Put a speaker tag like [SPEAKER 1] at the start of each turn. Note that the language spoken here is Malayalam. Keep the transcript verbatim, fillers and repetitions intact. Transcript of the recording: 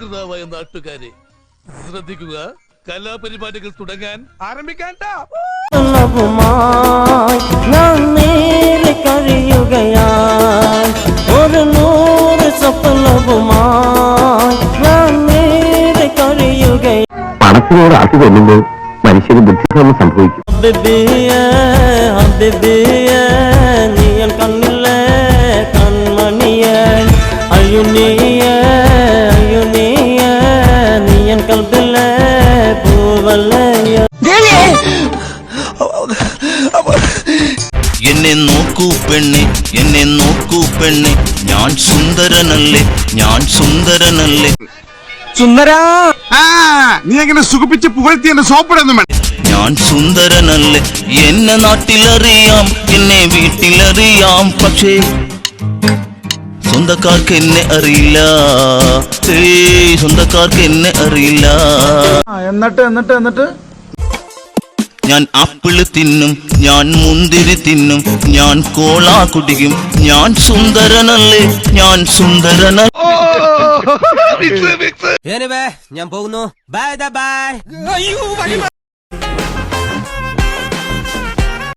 [SPEAKER 1] സകൃതാവായ നാട്ടുകാരെ ശ്രദ്ധിക്കുക, കലാപരിപാടികൾ തുടങ്ങാൻ ആരംഭിക്കാൻ.
[SPEAKER 2] ഒരു നൂറ് പണത്തിനോട് ആക്കി കൊല്ലുമ്പോൾ മനുഷ്യന് ബുദ്ധിഭ്രമം സംഭവിക്കും. നീയൻ കണ്ണില്ലേ കൺമണിയ അയുനീയ അയുനീയ നീയൻ കൽബില്ലേ പൂവല്ലയ.
[SPEAKER 3] എന്നെ നോക്കൂ പെണ്ണെ, എന്നെ നോക്കൂ പെണ്ണെ, ഞാൻ സുന്ദരനല്ലേ, ഞാൻ സുന്ദരനല്ലേ.
[SPEAKER 4] സുന്ദര
[SPEAKER 5] നീ എങ്ങനെ സുഖിപ്പിച്ച് പുകഴ്ത്തി എന്നെ സോപ്പിടൊന്നും വേണ്ട.
[SPEAKER 3] ഞാൻ സുന്ദരനല്ലേ, എന്നെ നാട്ടിലറിയാം, എന്നെ വീട്ടിലറിയാം, പക്ഷേ സ്വന്തക്കാർക്ക് എന്നെ അറിയില്ല. സ്വന്തക്കാർക്ക് എന്നെ അറിയില്ല.
[SPEAKER 4] എന്നിട്ട് എന്നിട്ട് എന്നിട്ട്
[SPEAKER 3] ഞാൻ ആപ്പിള് തിന്നും, ഞാൻ മുന്തിരി തിന്നും, ഞാൻ കോള കുടിക്കും, ഞാൻ സുന്ദരനല്ലേ, ഞാൻ സുന്ദരനല്ലേ.
[SPEAKER 2] ഞാൻ പോകുന്നു. Bye by.